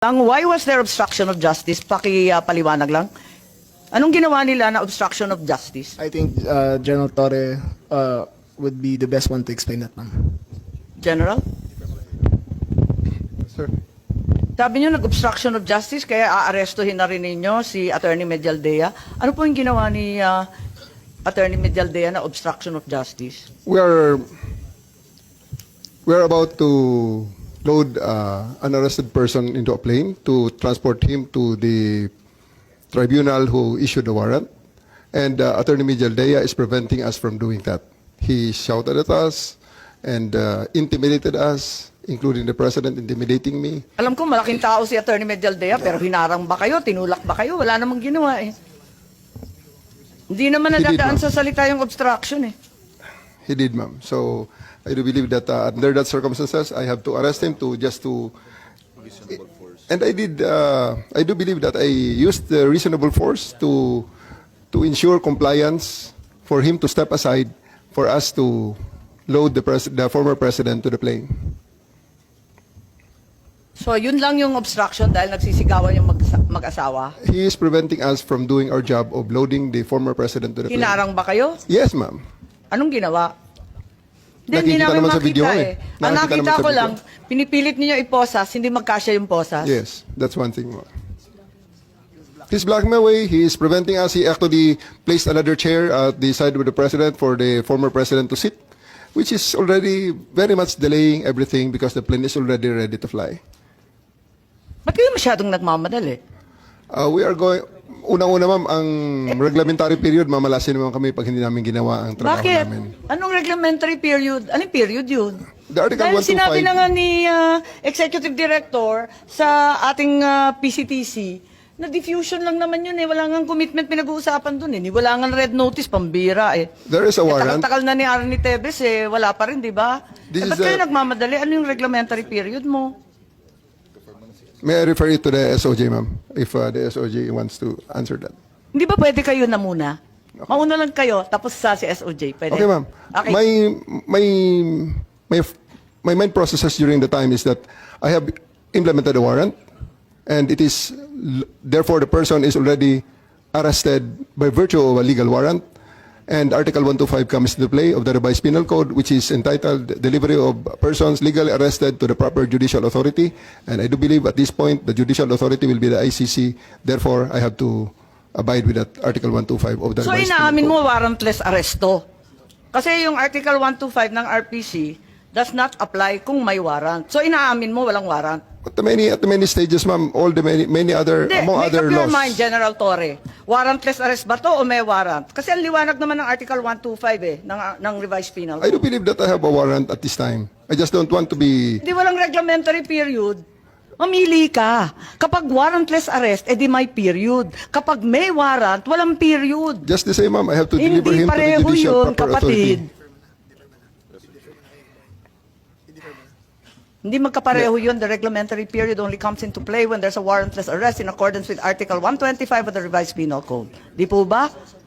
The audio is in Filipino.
Why was there obstruction of justice? Paliwanag lang. Anong ginawa nila na obstruction of justice? I think General Torre would be the best one to explain that, ma'am. General? Sir. Sabi niyo nag-obstruction of justice kaya aarestuhin na rin ninyo si Attorney Medialdea. Ano po yung ginawa ni Attorney Medialdea na obstruction of justice? We're about to load an arrested person into a plane to transport him to the tribunal who issued the warrant. And Attorney Medialdea is preventing us from doing that. He shouted at us and intimidated us, including the president intimidating me. Alam ko malaking tao si Attorney Medialdea pero hinarang ba kayo? Tinulak ba kayo? Wala namang ginawa eh. Hindi naman He did, nadadaan ma'am. sa salita yung obstruction eh. He did, ma'am. So I do believe that under that circumstances, I have to arrest him and I did. I do believe that I used the reasonable force to ensure compliance for him to step aside for us to load the former president to the plane. So yun lang yung obstruction dahil nagsisigawan yung mag-asawa? He is preventing us from doing our job of loading the former president to the plane. Hinarang ba kayo? Yes, ma'am. Anong ginawa? Hindi Nakikita namin naman sa makita video eh. Ang Nakikita nakita naman sa ko video. lang, pinipilit ninyo iposas, hindi magkasya yung posas. Yes, that's one thing more. He's blocking my way. He is preventing us. He actually placed another chair at the side of the president for the former president to sit, which is already very much delaying everything because the plane is already ready to fly. Ba't kayo masyadong nagmamadali? We are going. Unang-una, ma'am, ang reglementary period, mamalasin naman kami pag hindi namin ginawa ang trabaho Bakit? namin. Anong reglementary period? Anong period yun? The Article Dahil 125 sinabi na nga ni Executive Director sa ating PCTC, na diffusion lang naman yun eh. Wala nga commitment pinag-uusapan dun eh. Wala nga red notice, pambira eh. There is a warrant. Takal-takal na ni Arnie Tevez eh. Wala pa rin, di ba? This Ba't is kayo a- nagmamadali? Ano yung reglementary period mo? May I refer it to the SOJ, ma'am, if the SOJ wants to answer that. Hindi ba pwede kayo na muna? Mauna lang kayo, tapos sa si SOJ. Pwede? Okay, ma'am. Okay. My main processes during the time is that I have implemented a warrant, and it is therefore the person is already arrested by virtue of a legal warrant, and Article 125 comes into play of the revised penal code, which is entitled "Delivery of Persons Legally Arrested to the Proper Judicial Authority." And I do believe at this point the judicial authority will be the ICC. Therefore, I have to abide with that Article 125 of the So revised penal inaamin code. mo warrantless arresto. Kasi yung Article 125 ng RPC does not apply kung may warrant. So inaamin mo walang warrant. At the many stages, ma'am, all the many other Hindi, among make other up your laws. mind, General Torre. Warrantless arrest ba to o may warrant? Kasi ang liwanag naman ng Article 125 eh, ng revised penal I do code. believe that I have a warrant at this time. I just don't want to be. Hindi walang reglementary period. Mamili ka. Kapag warrantless arrest, edi may period. Kapag may warrant, walang period. Just the same, ma'am. I have to deliver Hindi him to the pareho judicial yun, proper kapatid. authority. Hindi magkapareho yun. The reglementary period only comes into play when there's a warrantless arrest in accordance with Article 125 of the revised penal code. Di po ba?